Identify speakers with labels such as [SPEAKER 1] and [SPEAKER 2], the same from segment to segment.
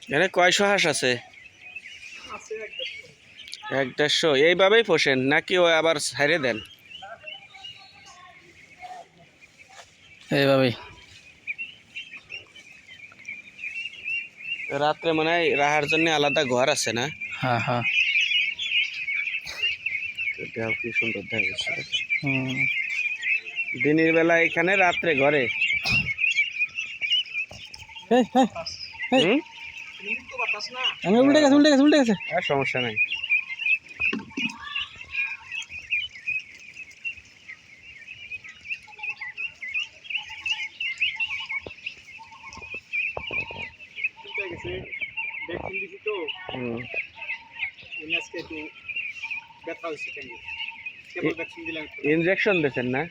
[SPEAKER 1] এখানে কয়শো হাঁস আছে? 1-150। এইভাবেই পোষেন নাকি ও আবার ছাইড়ে দেন?
[SPEAKER 2] এইভাবেই।
[SPEAKER 1] রাত্রে মনে হয় রাহার জন্য আলাদা ঘর আছে না?
[SPEAKER 2] হ্যাঁ হ্যাঁ।
[SPEAKER 1] দেখ কি সুন্দর দেখা যাচ্ছে।
[SPEAKER 2] হুম।
[SPEAKER 1] দিনের বেলা এখানে, রাত্রে ঘরে। হুম,
[SPEAKER 2] উল্টে গেছে উল্টে গেছে উল্টে গেছে।
[SPEAKER 1] আর সমস্যা নাই। হুম। ইনজেকশন দিয়েছেন না?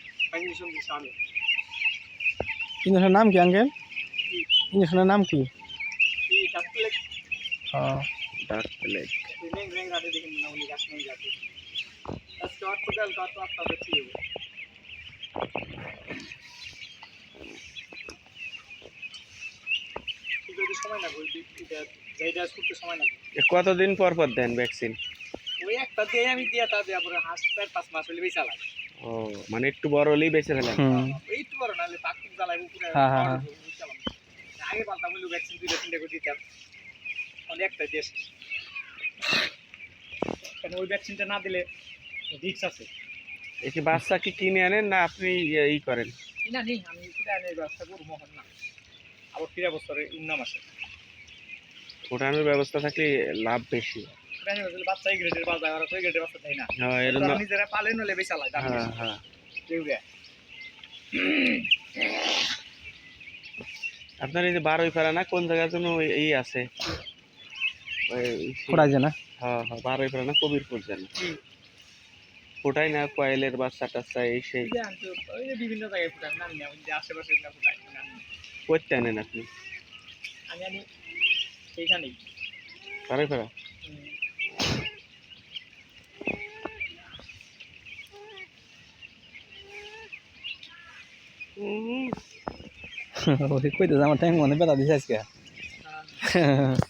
[SPEAKER 2] ইঞ্জেকশনের নাম কি আঙ্কেল? ইঞ্জেকশনের নাম কি? হ্যাঁ।
[SPEAKER 1] ডাক প্লেগ। কতদিন পর পর দেন ভ্যাকসিন? ও মানে একটু বড় হলেই বেঁচে ফেলেন।
[SPEAKER 2] হ্যাঁ হ্যাঁ হ্যাঁ।
[SPEAKER 3] ওই ভ্যাকসিনটা না দিলে রিস্ক আছে।
[SPEAKER 1] এই কি বাচ্চা কি কিনে আনেন না আপনি ই করেন?
[SPEAKER 3] না নেই, আমি ব্যবস্থা করবো না। আবার ফিরে বছরে উন্নাম আসে।
[SPEAKER 1] ওঠানোর ব্যবস্থা থাকলে লাভ বেশি।
[SPEAKER 3] বাচ্চা এই গ্রেডের বাচ্চা, আর ওই গ্রেডের বাচ্চা তাই না।
[SPEAKER 1] হ্যাঁ এরকম।
[SPEAKER 3] নিজেরা পালেন হলে বেশি চালায়।
[SPEAKER 1] হ্যাঁ হ্যাঁ। আপনার এই যে বারোই ফেরা না কোন জায়গার জন্য এই আছে?
[SPEAKER 2] ফোটাই যায় না?
[SPEAKER 1] হ্যাঁ হ্যাঁ, বারোই ফেরা না কবিরপুর যেন ফোটাই না কয়েলের বাচ্চা টাচ্চা এই সেই
[SPEAKER 3] বিভিন্ন জায়গায় ফুটান, নাম নেই আশেপাশে ফুটাই।
[SPEAKER 1] করতে আনেন আপনি?
[SPEAKER 3] আমি আনি সেইখানেই
[SPEAKER 1] বারোই ফেরা।
[SPEAKER 2] কইতে আমার টাইম মনে ব্যথা দিছে আজকে।